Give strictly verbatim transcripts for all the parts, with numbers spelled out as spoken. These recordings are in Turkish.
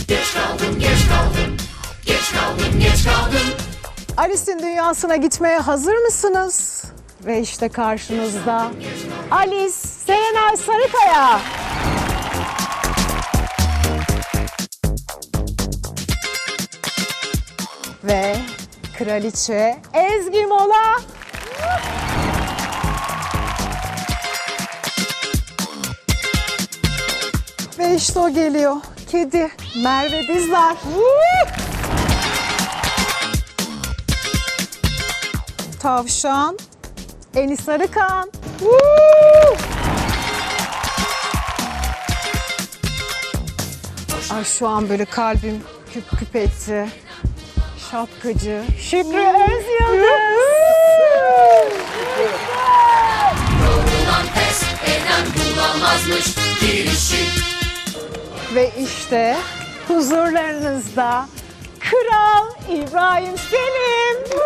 Geç kaldım, geç kaldım, geç kaldım, geç kaldım. Alice'in dünyasına gitmeye hazır mısınız? Ve işte karşınızda Alice Serenay Sarıkaya. Ve Kraliçe Ezgi Mola. Ve işte o geliyor. Kedi Merve Dizdar. Tavşan Enis Arıkan. Ay şu an böyle kalbim küp küp etti. Şapkacı Şükrü Özyıldız. Yorulan pes eden bulamazmış girişi. Ve işte huzurlarınızda Kral İbrahim Selim.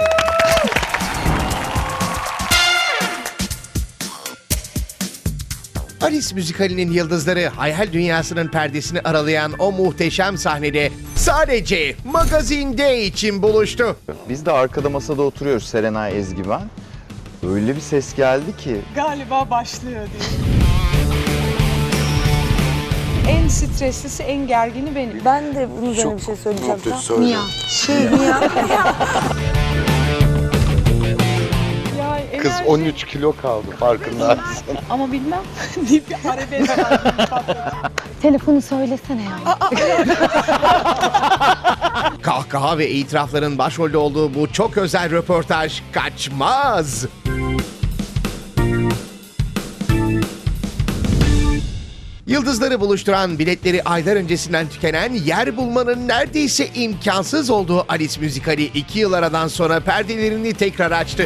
Alice müzikalinin yıldızları hayal dünyasının perdesini aralayan o muhteşem sahnede sadece Magazine Day için buluştu. Biz de arkada masada oturuyoruz, Serenay, Ezgi, ben. Öyle bir ses geldi ki. Galiba başlıyor diye. En streslisi, en gergini benim. Ben de bunun üzerine bir şey söyleyeceğim. Mia. Şey Mia. Ya, Kız enerji- on üç kilo kaldı, farkındasın. Ama bilmem deyip bir arabesk aldım. Telefonu söylesene ya. Kahkaha ve itirafların başrolde olduğu bu çok özel röportaj kaçmaz. Yıldızları buluşturan, biletleri aylar öncesinden tükenen, yer bulmanın neredeyse imkansız olduğu Alice müzikali iki yıl aradan sonra perdelerini tekrar açtı.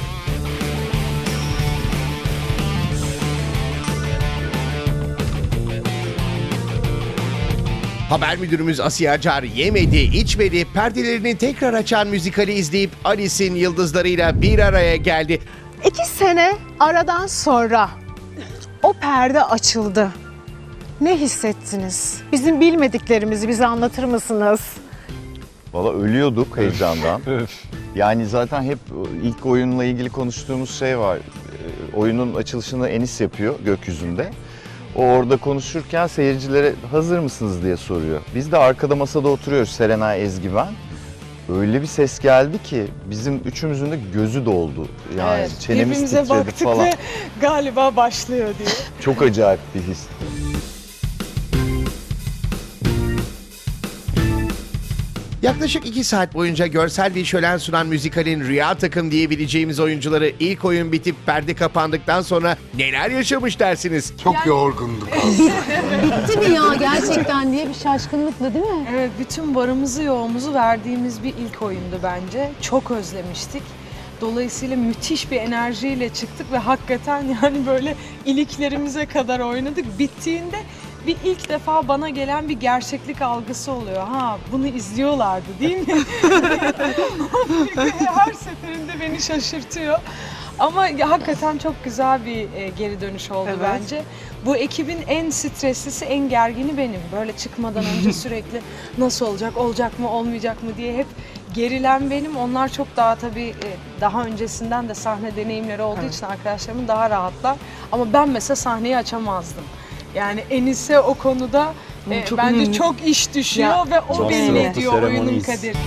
Haber müdürümüz Asiye Acar yemedi, içmedi, perdelerini tekrar açan müzikali izleyip Alice'in yıldızlarıyla bir araya geldi. İki sene aradan sonra o perde açıldı. Ne hissettiniz? Bizim bilmediklerimizi bize anlatır mısınız? Valla ölüyorduk heyecandan. Yani zaten hep ilk oyunla ilgili konuştuğumuz şey var. Ee, Oyunun açılışını Enis yapıyor gökyüzünde. O orada konuşurken seyircilere hazır mısınız diye soruyor. Biz de arkada masada oturuyoruz, Serenay, Ezgi, ben. Öyle bir ses geldi ki bizim üçümüzün de gözü doldu. Yani Evet, çenemiz birbirimize titredi baktık falan. ve galiba başlıyor diye. Çok acayip bir his. Yaklaşık iki saat boyunca görsel bir şölen sunan müzikalin rüya takım diyebileceğimiz oyuncuları ilk oyun bitip perde kapandıktan sonra neler yaşamış dersiniz? Çok yorgunduk. Bitti mi ya gerçekten diye bir şaşkınlıkla değil mi? Evet, bütün varımızı yoğumuzu verdiğimiz bir ilk oyundu bence. Çok özlemiştik. Dolayısıyla müthiş bir enerjiyle çıktık ve hakikaten yani böyle iliklerimize kadar oynadık. Bittiğinde bir ilk defa bana gelen bir gerçeklik algısı oluyor. Ha, bunu izliyorlardı değil mi? Her seferinde beni şaşırtıyor. Ama ya, hakikaten çok güzel bir e, geri dönüş oldu Evet. bence. Bu ekibin en streslisi, en gergini benim. Böyle çıkmadan önce sürekli nasıl olacak, olacak mı, olmayacak mı diye hep gerilen benim. Onlar çok daha tabii e, daha öncesinden de sahne deneyimleri olduğu Evet. için arkadaşlarımın daha rahatlar. Ama ben mesela sahneyi açamazdım. Yani Enis'e o konuda e, çok bence önemli. çok iş düşüyor Ya, ve o çok belli sıvı ediyor oyunun seremoniyiz. kaderini.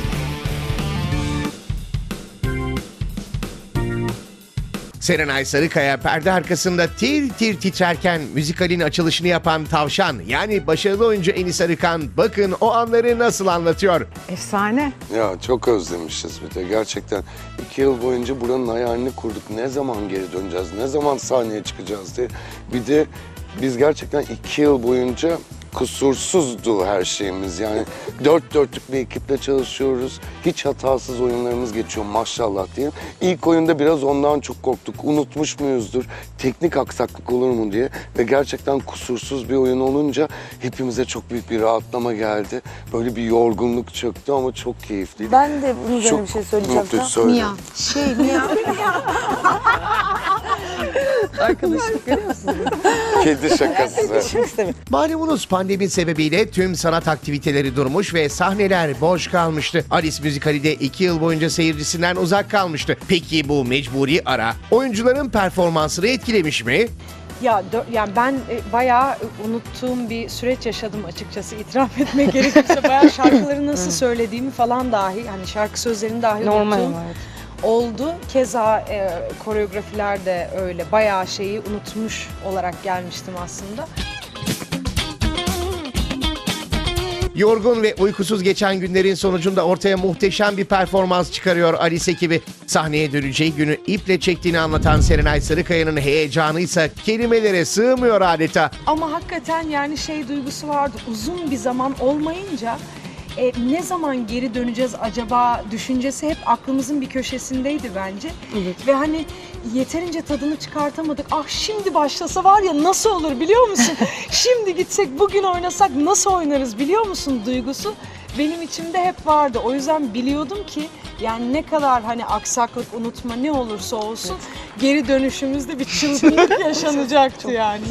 Serenay Sarıkaya perde arkasında tir tir titrerken müzikalin açılışını yapan Tavşan, yani başarılı oyuncu Enis Arıkan, bakın o anları nasıl anlatıyor. Efsane. Ya çok özlemişiz bir de gerçekten. iki yıl boyunca buranın hayalini kurduk. Ne zaman geri döneceğiz, ne zaman sahneye çıkacağız diye. Bir de biz gerçekten iki yıl boyunca kusursuzdu her şeyimiz. Yani dört dörtlük bir ekiple çalışıyoruz. Hiç hatasız oyunlarımız geçiyor maşallah diye. İlk oyunda biraz ondan çok korktuk. Unutmuş muyuzdur? Teknik aksaklık olur mu diye. Ve gerçekten kusursuz bir oyun olunca hepimize çok büyük bir rahatlama geldi. Böyle bir yorgunluk çöktü ama çok keyifliydi. Ben de bunun üzerine Çok bir şey söyleyeceğim. mutlu Tamam. söyle. Mia. Şey Mia. Arkadaşlık görüyor musunuz? Kedi şakası. Malumunuz pandemi sebebiyle tüm sanat aktiviteleri durmuş ve sahneler boş kalmıştı. Alice müzikali de iki yıl boyunca seyircisinden uzak kalmıştı. Peki bu mecburi ara oyuncuların performansını etkilemiş mi? Ya dö- yani ben e, bayağı unuttuğum bir süreç yaşadım açıkçası, itiraf etmek gerekirse. Bayağı şarkıları nasıl söylediğimi falan dahi, hani şarkı sözlerini dahi unuttuğum oldu. Keza e, koreografiler de öyle. Bayağı şeyi unutmuş olarak gelmiştim aslında. Yorgun ve uykusuz geçen günlerin sonucunda ortaya muhteşem bir performans çıkarıyor Alice ekibi. Sahneye döneceği günü iple çektiğini anlatan Serenay Sarıkaya'nın heyecanı ise kelimelere sığmıyor adeta. Ama hakikaten yani şey duygusu vardı. Uzun bir zaman olmayınca e, ne zaman geri döneceğiz acaba düşüncesi hep aklımızın bir köşesindeydi bence. Evet. Ve hani yeterince tadını çıkartamadık. Ah şimdi başlasa var ya nasıl olur biliyor musun? Şimdi gitsek bugün oynasak nasıl oynarız biliyor musun duygusu benim içimde hep vardı. O yüzden biliyordum ki yani ne kadar hani aksaklık, unutma ne olursa olsun geri dönüşümüzde bir çılgınlık yaşanacaktı yani.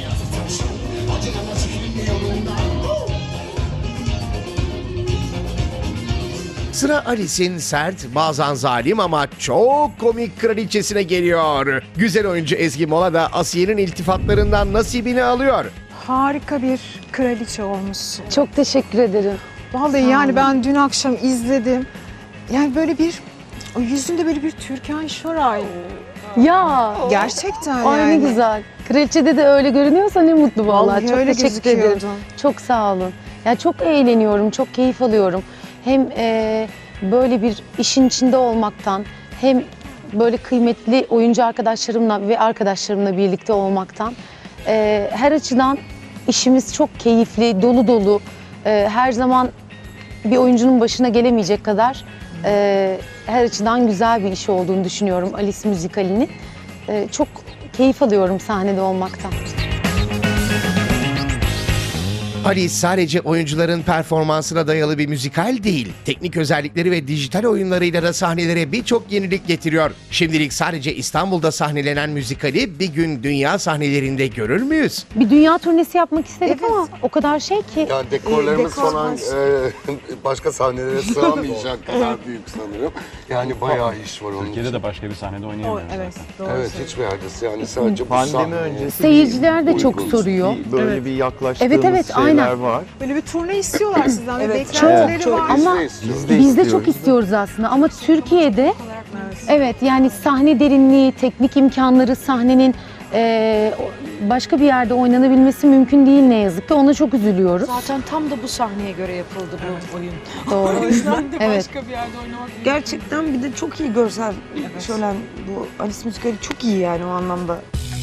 Sıra Alice'in sert, bazen zalim ama çok komik kraliçesine geliyor. Güzel oyuncu Ezgi Mola da Asiye'nin iltifatlarından nasibini alıyor. Harika bir kraliçe olmuşsun. Çok teşekkür ederim. Vallahi Sağ yani olun. ben dün akşam izledim. Yani böyle bir, o yüzünde böyle bir Türkan Şoray. Ya. Gerçekten Ay yani. ne güzel. Kraliçede de öyle görünüyorsa ne mutlu vallahi. Vallahi Çok öyle teşekkür ederim. gözüküyordun. Çok sağ olun. Ya çok eğleniyorum, çok keyif alıyorum. Hem e, böyle bir işin içinde olmaktan, hem böyle kıymetli oyuncu arkadaşlarımla ve arkadaşlarımla birlikte olmaktan. E, her açıdan işimiz çok keyifli, dolu dolu. E, her zaman bir oyuncunun başına gelemeyecek kadar e, her açıdan güzel bir iş olduğunu düşünüyorum Alice müzikalinin. E, çok keyif alıyorum sahnede olmaktan. Alice sadece oyuncuların performansına dayalı bir müzikal değil. Teknik özellikleri ve dijital oyunlarıyla da sahnelere birçok yenilik getiriyor. Şimdilik sadece İstanbul'da sahnelenen müzikali bir gün dünya sahnelerinde görür müyüz? Bir dünya turnesi yapmak istedik ama o kadar şey ki. Yani dekorlarımız Dekor falan var. e, başka sahnelere sığamayacak kadar büyük sanırım. Yani bayağı iş var onun Türkiye'de için. de başka bir sahnede oynayamıyoruz Evet, zaten. doğru Evet hiçbir yerde yani sadece bu Pandemi sahneye öncesi Seyirciler de çok uygun. soruyor. bir- böyle bir yaklaştığımız Evet, evet, şeyler aynen. var. Böyle bir turne istiyorlar sizden. Evet, Çok, beklentileri çok. var. Ama Biz de istiyoruz. Biz de biz de istiyoruz. çok istiyoruz aslında ama Türkiye'de evet yani sahne derinliği, teknik imkanları, sahnenin e, başka bir yerde oynanabilmesi mümkün değil ne yazık ki. Ona çok üzülüyoruz. Zaten tam da bu sahneye göre yapıldı bu oyun. Doğru. O yüzden de Evet. başka bir yerde oynamak mümkün. Gerçekten bir de çok iyi görsel şölen bu Alice müzikali çok iyi yani o anlamda.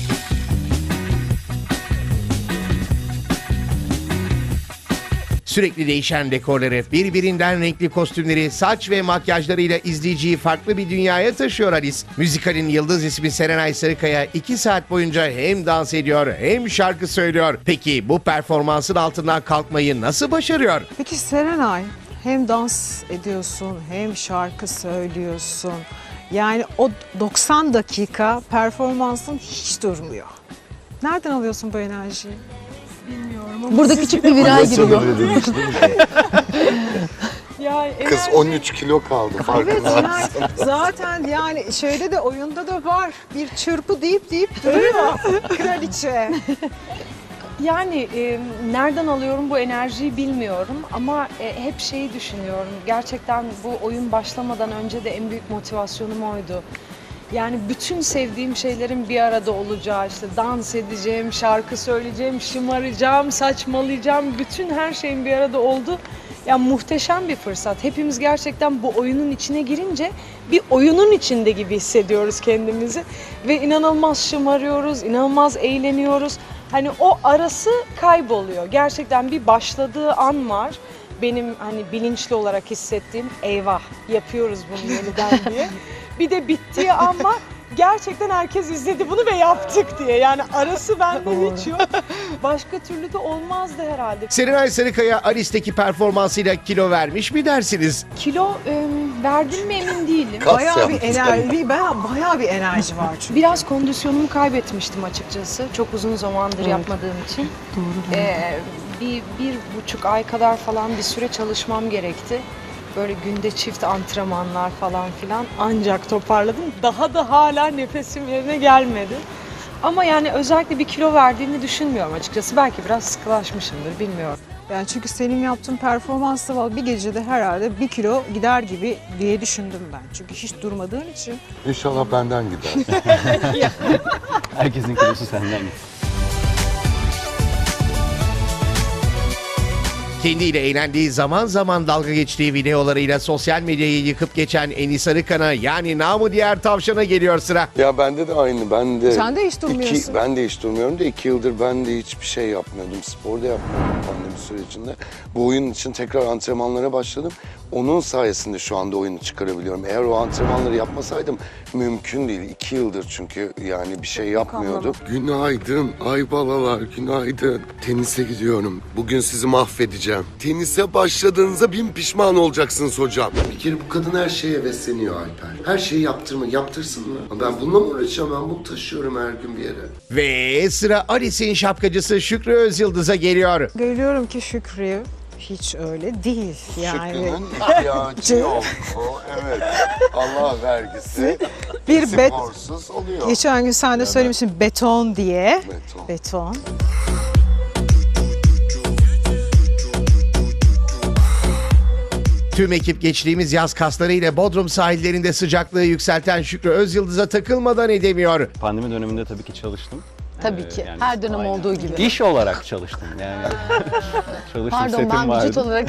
Sürekli değişen dekorları, birbirinden renkli kostümleri, saç ve makyajlarıyla izleyiciyi farklı bir dünyaya taşıyor Alice. Müzikalin yıldız ismi Serenay Sarıkaya iki saat boyunca hem dans ediyor hem şarkı söylüyor. Peki bu performansın altından kalkmayı nasıl başarıyor? Peki Serenay, hem dans ediyorsun hem şarkı söylüyorsun. Yani o doksan dakika performansın hiç durmuyor. Nereden alıyorsun bu enerjiyi? Burada küçük bir viral giriyor. Ya, Kız enerji- on üç kilo kaldı Evet farkında. yani zaten yani şeyde de oyunda da var. Bir çırpı deyip deyip duruyor kraliçe. Yani e, nereden alıyorum bu enerjiyi bilmiyorum ama e, hep şeyi düşünüyorum. Gerçekten bu oyun başlamadan önce de en büyük motivasyonum oydu. Yani bütün sevdiğim şeylerin bir arada olacağı, işte dans edeceğim, şarkı söyleyeceğim, şımaracağım, saçmalayacağım, bütün her şeyin bir arada oldu. Yani muhteşem bir fırsat. Hepimiz gerçekten bu oyunun içine girince bir oyunun içinde gibi hissediyoruz kendimizi. Ve inanılmaz şımarıyoruz, inanılmaz eğleniyoruz. Hani o arası kayboluyor. Gerçekten bir başladığı an var. Benim hani bilinçli olarak hissettiğim eyvah yapıyoruz bunu yeniden diye. Bir de bittiği an var. Gerçekten herkes izledi bunu ve yaptık diye. Yani arası bende hiç yok. Başka türlü de olmazdı herhalde. Serenay Sarıkaya Alice'deki performansıyla kilo vermiş mi dersiniz? Kilo e, verdim mi emin değilim. Kas Bayağı bir yaptın. enerji, bayağı, bayağı bir enerji var çünkü. Biraz kondisyonumu kaybetmiştim açıkçası. Çok uzun zamandır yapmadığım için. Doğru. Ee, bir, bir buçuk ay kadar falan bir süre çalışmam gerekti. Böyle günde çift antrenmanlar falan filan ancak toparladım. Daha da hala nefesim yerine gelmedi. Ama yani özellikle bir kilo verdiğini düşünmüyorum açıkçası. Belki biraz sıkılaşmışımdır, bilmiyorum. Yani çünkü senin yaptığın performansta var bir gecede herhalde bir kilo gider gibi diye düşündüm ben. Çünkü hiç durmadığın için. İnşallah benden gider. Herkesin kilosu senden gitsin. Kendiyle eğlendiği, zaman zaman dalga geçtiği videolarıyla sosyal medyayı yıkıp geçen Enis Arıkan'a, yani namı diğer tavşana geliyor sıra. Ya bende de aynı. Ben de Sen de hiç durmuyorsun. Iki, ben de hiç durmuyorum da iki yıldır ben de hiçbir şey yapmıyordum. Spor da yapmıyordum pandemi sürecinde. Bu oyun için tekrar antrenmanlara başladım. Onun sayesinde şu anda oyunu çıkarabiliyorum. Eğer o antrenmanları yapmasaydım mümkün değil. İki yıldır çünkü yani bir şey yapmıyordum. Günaydın Aybalalar, günaydın. Tenise gidiyorum. Bugün sizi mahvedeceğim. Tenise başladığınızda bin pişman olacaksınız hocam. Bir kere bu kadın her şeye hevesleniyor Alper. Her şeyi yaptırma, yaptırsın mı? Ben bununla mı uğraşacağım? Ben bunu taşıyorum her gün bir yere. Ve sıra Alice'in şapkacısı Şükrü Özyıldız'a geliyor. Görüyorum ki Şükrü hiç öyle değil. Yani Şükrü'nün ihtiyacı yok. O evet. Allah vergisi. bir bet Sporsuz oluyor. geçen gün sen de söylemişsin beton diye. Beton. Beton. Tüm ekip geçtiğimiz yaz kaslarıyla Bodrum sahillerinde sıcaklığı yükselten Şükrü Özyıldız'a takılmadan edemiyor. Pandemi döneminde tabii ki çalıştım. Tabii Ee, ki. yani Her dönem aynen. olduğu gibi. İş olarak çalıştım yani. Çalıştım, Pardon setim ben vardı. vücut olarak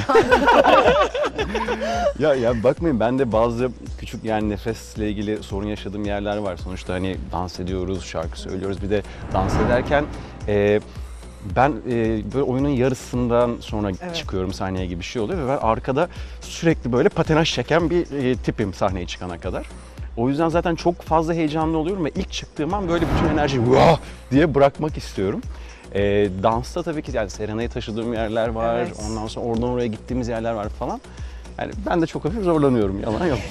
Ya ya bakmayın, ben de bazı küçük yani nefesle ilgili sorun yaşadığım yerler var. Sonuçta hani dans ediyoruz, şarkı söylüyoruz. Bir de dans ederken e, ben e, böyle oyunun yarısından sonra Evet. çıkıyorum sahneye gibi bir şey oluyor ve ben arkada sürekli böyle patinaj çeken bir e, tipim sahneye çıkana kadar. O yüzden zaten çok fazla heyecanlı oluyorum ve ilk çıktığım an böyle bütün enerjiyi "Vah!" diye bırakmak istiyorum. E, dansta tabii ki yani Serenay'ı taşıdığım yerler var, Evet. ondan sonra oradan oraya gittiğimiz yerler var falan. Yani ben de çok hafif zorlanıyorum, yalan yok.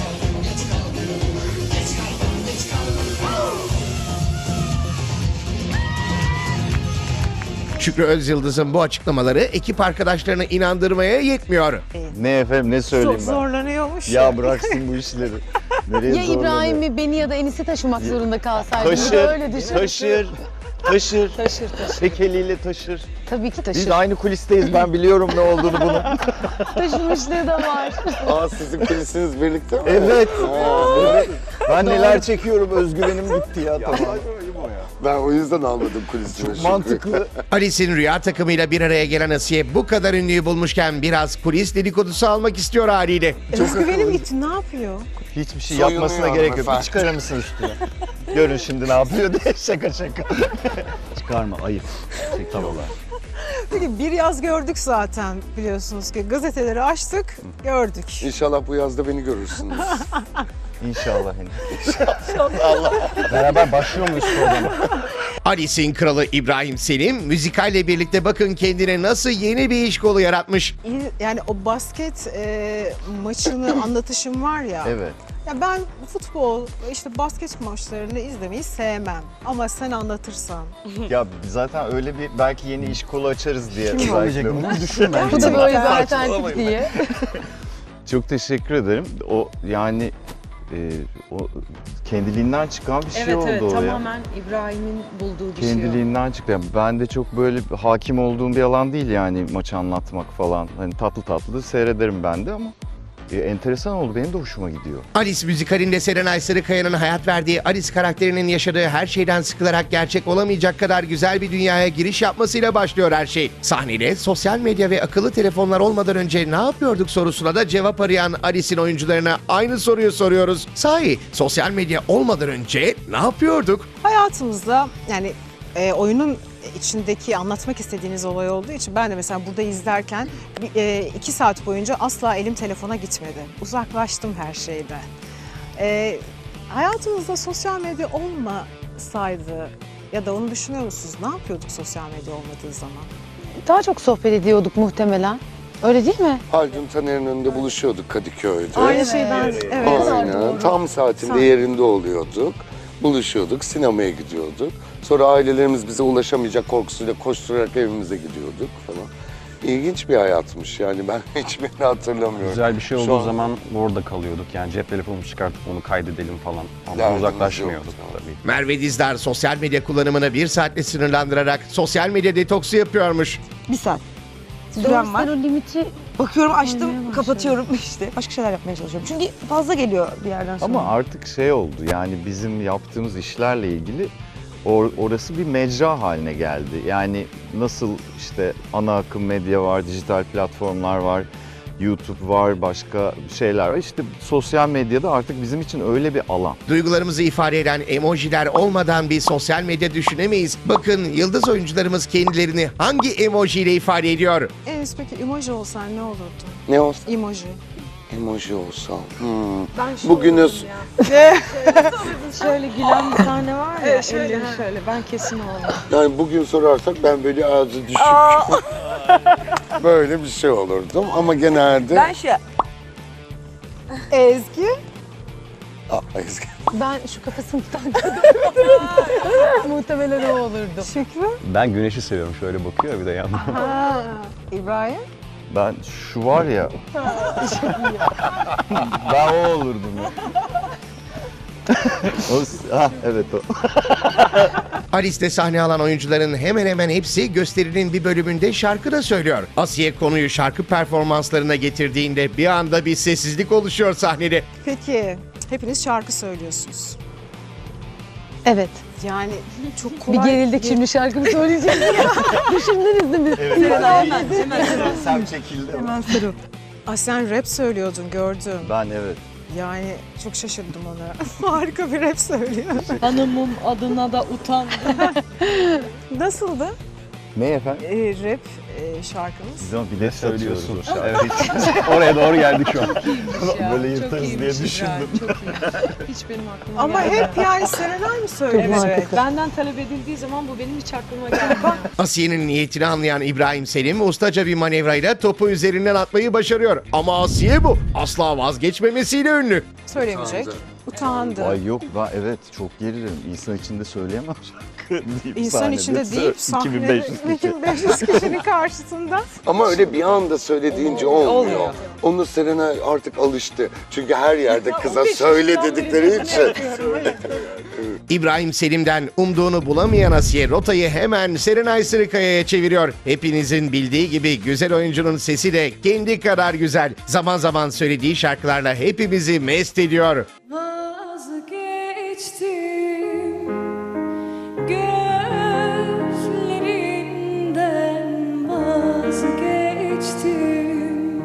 Şükrü Özyıldız'ın bu açıklamaları ekip arkadaşlarını inandırmaya yetmiyor. Ne efendim ne söyleyeyim Zor- ben? zorlanıyormuş. Ya bıraksın bu işleri. Nereye ya zorlanıyor? İbrahim'i, beni ya da Enis'i taşımak zorunda kalsaydım. Bir de Taşır, öyle düşün. taşır, taşır. Taşır taşır. Tek eliyle taşır. Tabii ki taşır. Biz aynı kulisteyiz, ben biliyorum ne olduğunu bunun. Taşımışlığı da var. Aa sizin kulisiniz birlikte mi? Evet. Aa, Evet. Ben neler çekiyorum, özgüvenim gitti ya. Tamam. ben o yüzden almadım kulisini. Çok Şükrü. mantıklı. Alice'in rüya takımıyla bir araya gelen Asiye bu kadar ünlüyü bulmuşken biraz kulis dedikodusu almak istiyor haliyle. Özgüvenim gitti, ne yapıyor? Hiçbir şey Soyunuyor yapmasına gerek yok. Bir hanımefendi. çıkarır mısın üstüne? Görün şimdi ne yapıyor diye şaka şaka. Çıkarma, ayıp. Çekiyorlar. Peki bir yaz gördük zaten biliyorsunuz ki gazeteleri açtık gördük. İnşallah bu yazda beni görürsünüz. İnşallah henüz. Beraber başlıyor muyuz programa? Alice'in kralı İbrahim Selim müzikalle birlikte bakın kendine nasıl yeni bir iş kolu yaratmış. İyi- Yani o basket e, maçını anlatışım var ya. Evet. Ya ben futbol, işte basket maçlarını izlemeyi sevmem. Ama sen anlatırsan. Ya zaten öyle bir belki yeni iş kolu açarız diye. Kim belki. Söyleyecektim, bunu düşün ben. Bu da böyle bir Saçmalamayın. alternatif diye. Çok teşekkür ederim. O yani e, o kendiliğinden çıkan bir şey Evet oldu evet o ya. tamamen İbrahim'in bulduğu bir şey o. Kendiliğinden çıktı. Yani ben de çok böyle hakim olduğum bir alan değil yani maçı anlatmak falan. Hani tatlı tatlı da seyrederim ben de ama e, enteresan oldu. Benim de hoşuma gidiyor. Alice müzikalinde Serenay Sarıkaya'nın hayat verdiği Alice karakterinin yaşadığı her şeyden sıkılarak gerçek olamayacak kadar güzel bir dünyaya giriş yapmasıyla başlıyor her şey. Sahnede sosyal medya ve akıllı telefonlar olmadan önce ne yapıyorduk sorusuna da cevap arayan Alice'in oyuncularına aynı soruyu soruyoruz. Sahi sosyal medya olmadan önce ne yapıyorduk? Hayatımızda yani e, oyunun içindeki anlatmak istediğiniz olay olduğu için ben de mesela burada izlerken bir, e, iki saat boyunca asla elim telefona gitmedi. Uzaklaştım her şeyden. E, hayatımızda sosyal medya olmasaydı ya da onu düşünüyor musunuz? Ne yapıyorduk sosyal medya olmadığı zaman? Daha çok sohbet ediyorduk muhtemelen. Öyle değil mi? Haldun Taner'in önünde buluşuyorduk Kadıköy'de. Aynı şey ben, evet. Aynen. Tam saatinde yerinde oluyorduk. Buluşuyorduk, sinemaya gidiyorduk. Sonra ailelerimiz bize ulaşamayacak korkusuyla koşturarak evimize gidiyorduk falan. İlginç bir hayatmış yani, ben hiçbirini hatırlamıyorum. Güzel bir şey Şu olduğu an zaman orada kalıyorduk. Yani cep telefonumuzu çıkartıp onu kaydedelim falan. Ama Derdimiz uzaklaşmıyorduk yoktu. tabii. Merve Dizdar sosyal medya kullanımını bir saatle sınırlandırarak sosyal medya detoksu yapıyormuş. Bir saat. Doğru, Süren var. sen o limiti Bakıyorum, Koymaya açtım, başladım. kapatıyorum işte. Başka şeyler yapmaya çalışıyorum. Çünkü fazla geliyor bir yerden sonra. Ama artık şey oldu, yani bizim yaptığımız işlerle ilgili or- orası bir mecra haline geldi. Yani nasıl işte ana akım medya var, dijital platformlar var, YouTube var, başka şeyler var. İşte sosyal medyada artık bizim için öyle bir alan. Duygularımızı ifade eden emojiler olmadan bir sosyal medya düşünemeyiz. Bakın yıldız oyuncularımız kendilerini hangi emojiyle ifade ediyor? Enis peki emoji olsan ne olurdu? ne olsa Emoji. emoji olsam. Hmm. Ben şu Bugünüz şöyle gülen bir tane var ya, Evet, şöyle, elleri ha. şöyle. Ben kesin olamam. yani bugün sorarsak ben böyle ağzı düşük böyle bir şey olurdum ama genelde Ben şey... Ezgi. Aa, Ezgi. ben şu kafasını tutan kadın. Muhtemelen o olurdu. Şükrü. Ben güneşi seviyorum. Şöyle bakıyor bir de yandan. Ha. İbrahim. Ben şu var ya, ben o olurdum ya. o, ha, evet o. Alice'de sahne alan oyuncuların hemen hemen hepsi gösterinin bir bölümünde şarkı da söylüyor. Asiye konuyu şarkı performanslarına getirdiğinde bir anda bir sessizlik oluşuyor sahnede. Peki hepiniz şarkı söylüyorsunuz. Evet. Yani çok Bir kolay. gerildik şimdi şarkımı söyleyeceğim. Düşündünüz değil mi? Sen çekildi. Hemen sarıl. Aa, sen rap söylüyordun gördüm. Ben evet. Yani çok şaşırdım ona. Harika bir rap söylüyor. Hanımım adına da utandım. Nasıldı Ne efendim? ee, rap e, şarkımız? Biz ama bilet Söylüyorsun. söylüyorsun. Evet. Oraya doğru geldik şu an. Böyle yırtarız diye düşündüm. Çok iyi. Hiç benim aklıma Ama gelmedi. hep yani Serenay mı söylüyor? Evet. Benden talep edildiği zaman bu benim hiç aklıma gelmedi. Asiye'nin niyetini anlayan İbrahim Selim ustaca bir manevrayla topu üzerinden atmayı başarıyor. Ama Asiye bu asla vazgeçmemesiyle ünlü. Söylemeyecek. Utandı. Ay yok, ben evet çok gerilirim. İnsan içinde söyleyemem şarkı deyip İnsan sahnede içinde sö- deyip sahnede iki bin beş yüz kişi. iki bin beş yüz kişinin karşısında. Ama öyle bir anda söylediğince olmuyor. Olmuyor. Onu Serenay artık alıştı. Çünkü her yerde kıza söyle dedikleri için. İbrahim Selim'den umduğunu bulamayan Asiye rotayı hemen Serenay Sarıkaya'ya çeviriyor. Hepinizin bildiği gibi güzel oyuncunun sesi de kendi kadar güzel. Zaman zaman söylediği şarkılarla hepimizi mest ediyor. Vazgeçtim gözlerinden, vazgeçtim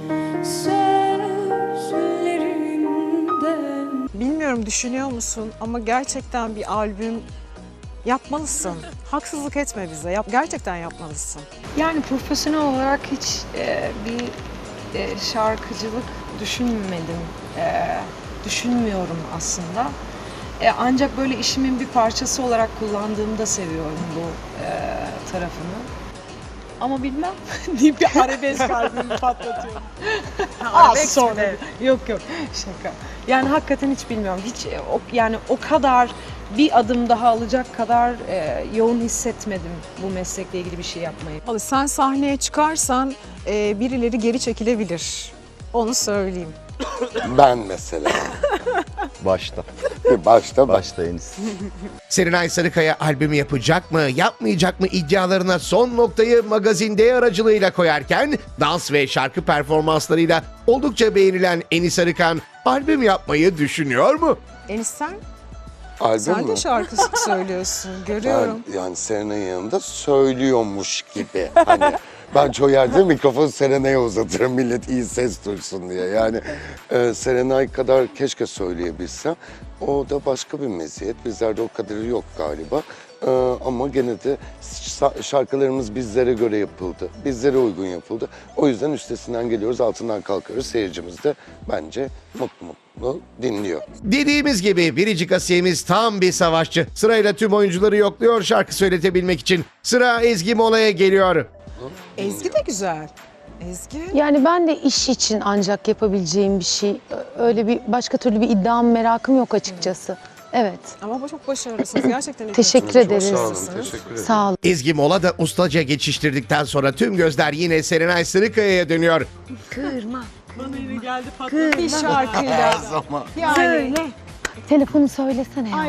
sözlerinden. Bilmiyorum düşünüyor musun ama gerçekten bir albüm yapmalısın. Haksızlık etme bize. Yap, gerçekten yapmalısın. Yani profesyonel olarak hiç e, bir e, şarkıcılık düşünmedim. E, düşünmüyorum aslında. E, ancak böyle işimin bir parçası olarak kullandığımda seviyorum bu e, tarafını. Ama bilmem deyip bir arabesk albümü patlatıyorum. Az sonra. Yok yok şaka. Yani hakikaten hiç bilmiyorum. Hiç e, o, yani o kadar bir adım daha alacak kadar e, yoğun hissetmedim bu meslekle ilgili bir şey yapmayı. Vallahi sen sahneye çıkarsan e, birileri geri çekilebilir. Onu söyleyeyim. Ben mesela. Başta. Başta baş. Başta Enis. Serenay Sarıkaya albümü yapacak mı, yapmayacak mı iddialarına son noktayı Magazin D aracılığıyla koyarken dans ve şarkı performanslarıyla oldukça beğenilen Enis Arıkan albüm yapmayı düşünüyor mu? Enis sen, Albüm sen mü? de şarkı söylüyorsun. Görüyorum. Ben yani Serenay'ın yanında söylüyormuş gibi. Hani ben çoğu yerde mikrofonu Serenay'a uzatırım millet iyi ses duysun diye. Yani e, Serenay kadar keşke söyleyebilsem. O da başka bir meziyet. Bizlerde o kadarı yok galiba. E, ama gene de şa- şarkılarımız bizlere göre yapıldı. Bizlere uygun yapıldı. O yüzden üstesinden geliyoruz, altından kalkıyoruz. Seyircimiz de bence mutlu mutlu dinliyor. Dediğimiz gibi Biricik Asiye'miz tam bir savaşçı. Sırayla tüm oyuncuları yokluyor şarkı söyletebilmek için. Sıra Ezgi Mola'ya geliyor. Ezgi de güzel. Ezgi. Yani ben de iş için ancak yapabileceğim bir şey. Öyle bir başka türlü bir iddiam, merakım yok açıkçası. Evet. Ama bu çok başarılısınız. Gerçekten. Teşekkür Çok ederiz. sağ olun, teşekkür ederim. Sağ olun. Ezgi molada ustaca geçiştirdikten sonra tüm gözler yine Serenay Sarıkaya'ya dönüyor. Kırma. Bana yine geldi patladı bir şarkıyla. Yani. Söyle. Telefonu söylesene ya. Ay,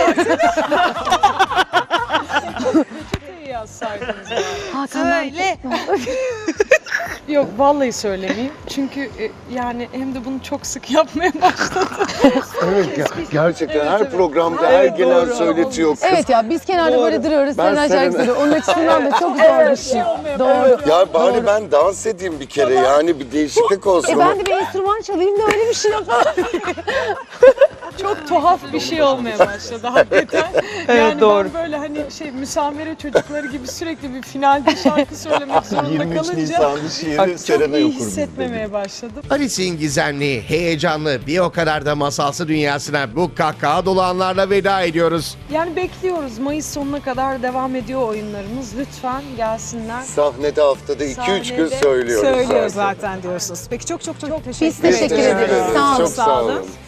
peçeteyi yazsaydınız ya. Hakan, Söyle. Yok vallahi söylemeyeyim. Çünkü e, yani hem de bunu çok sık yapmaya başladım. Evet ger- gerçekten her evet. programda Evet, her gelen doğru. söyletiyor. Kız. Evet ya biz kenarda Doğru. böyle duruyoruz. Ben Serenay şarkı Serenay- söylüyor. Onun açısından da çok zor bir şey. Doğru. Ya bari ben dans edeyim bir kere yani bir değişiklik olsun. E ama- ben de bir enstrüman çalayım da öyle bir şey yapayım. Çok tuhaf bir şey olmaya başladı hakikaten. Yani doğru. ben böyle hani şey müsamere çocukları gibi sürekli bir finalde şarkı söylemek zorunda yirmi üç kalınca Nisan'da şiiri çok Serenay iyi okur biz hissetmemeye başladım. Alice'in gizemli, heyecanlı, bir o kadar da masalsı dünyasına bu kahkaha dolu anlarla veda ediyoruz. Yani bekliyoruz. Mayıs sonuna kadar devam ediyor oyunlarımız. Lütfen gelsinler. Sahnede haftada iki üç gün Sahnede söylüyoruz. Söylüyor zaten. zaten diyorsunuz. Peki çok çok çok teşekkür Biz teşekkür Teşekkür ederiz. ederiz. Sağ olun. Çok sağ olun.